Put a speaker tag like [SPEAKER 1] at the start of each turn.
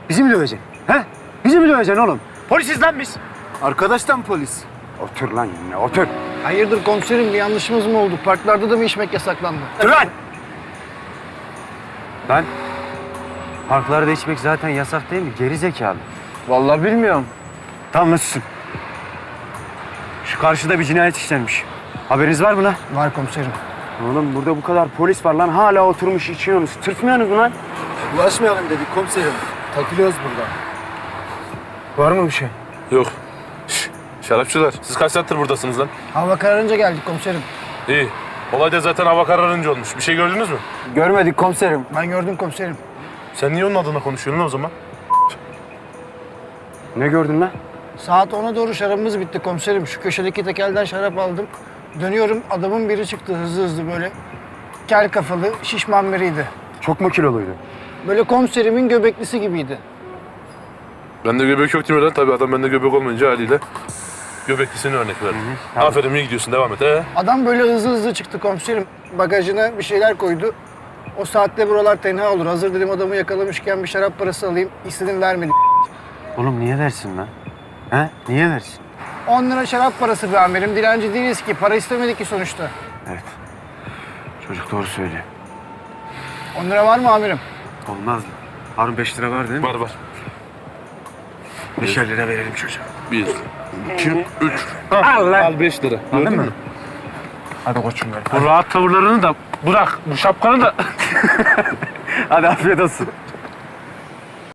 [SPEAKER 1] Bizi mi döveceksin? He? Bizi mi döveceksin oğlum? Polisiz lan biz.
[SPEAKER 2] Arkadaştan polis.
[SPEAKER 1] Otur lan yerine, otur.
[SPEAKER 3] Hayırdır komiserim, bir yanlışımız mı oldu? Parklarda da mı içmek yasaklandı?
[SPEAKER 1] Dur lan! Lan, parklarda içmek zaten yasak değil mi? Geri zekalı.
[SPEAKER 2] Vallahi bilmiyorum.
[SPEAKER 1] Tamam, nasılsın? Şu karşıda bir cinayet işlenmiş. Haberiniz var mı lan?
[SPEAKER 3] Var komiserim.
[SPEAKER 1] Oğlum burada bu kadar polis var lan. Hala oturmuş içiyorsunuz. Tırtmıyorsunuz mu lan?
[SPEAKER 2] Bulaşmayalım dedik komiserim. Takılıyoruz burada.
[SPEAKER 1] Var mı bir şey?
[SPEAKER 4] Yok. Şş, şarapçılar, siz kaç saattir buradasınız lan?
[SPEAKER 3] Hava kararınca geldik komiserim.
[SPEAKER 4] İyi. Olay da zaten hava kararınca olmuş. Bir şey gördünüz mü?
[SPEAKER 2] Görmedik komiserim.
[SPEAKER 3] Ben gördüm komiserim.
[SPEAKER 4] Sen niye onun adına konuşuyorsun lan o zaman?
[SPEAKER 1] Ne gördün lan?
[SPEAKER 3] Saat 10'a doğru şarabımız bitti komiserim. Şu köşedeki tekelden şarap aldım. Dönüyorum, adamın biri çıktı hızlı hızlı böyle. Kel kafalı, şişman biriydi.
[SPEAKER 1] Çok mu kiloluydu?
[SPEAKER 3] Böyle komiserimin göbeklisi gibiydi.
[SPEAKER 4] Bende göbek yok değil mi lan? Tabii adam bende göbek olmayınca haliyle göbeklisine örnek verdi.
[SPEAKER 1] Tamam.
[SPEAKER 4] Aferin, iyi gidiyorsun, devam et.
[SPEAKER 3] Adam böyle hızlı hızlı çıktı komiserim. Bagajına bir şeyler koydu. O saatte buralar tenha olur. Hazır dedim adamı yakalamışken bir şarap parası alayım. İstedim vermedi.
[SPEAKER 1] Oğlum niye versin lan? He? Niye versin?
[SPEAKER 3] 10 lira şarap parası be amirim. Dilenci değiliz ki. Para istemedik ki sonuçta.
[SPEAKER 1] Evet. Çocuk doğru söylüyor.
[SPEAKER 3] 10 lira var mı amirim?
[SPEAKER 1] Olmaz mı? Harun 5 lira var değil mi?
[SPEAKER 4] Var var.
[SPEAKER 1] 5'er lira verelim çocuğa.
[SPEAKER 4] 1, 2, 3.
[SPEAKER 1] Al lan.
[SPEAKER 4] Al 5 lira. Gördün mü?
[SPEAKER 1] Hadi koçum benim.
[SPEAKER 4] Bu rahat tavırlarını da bırak. Bu şapkanı da.
[SPEAKER 1] Hadi afiyet olsun.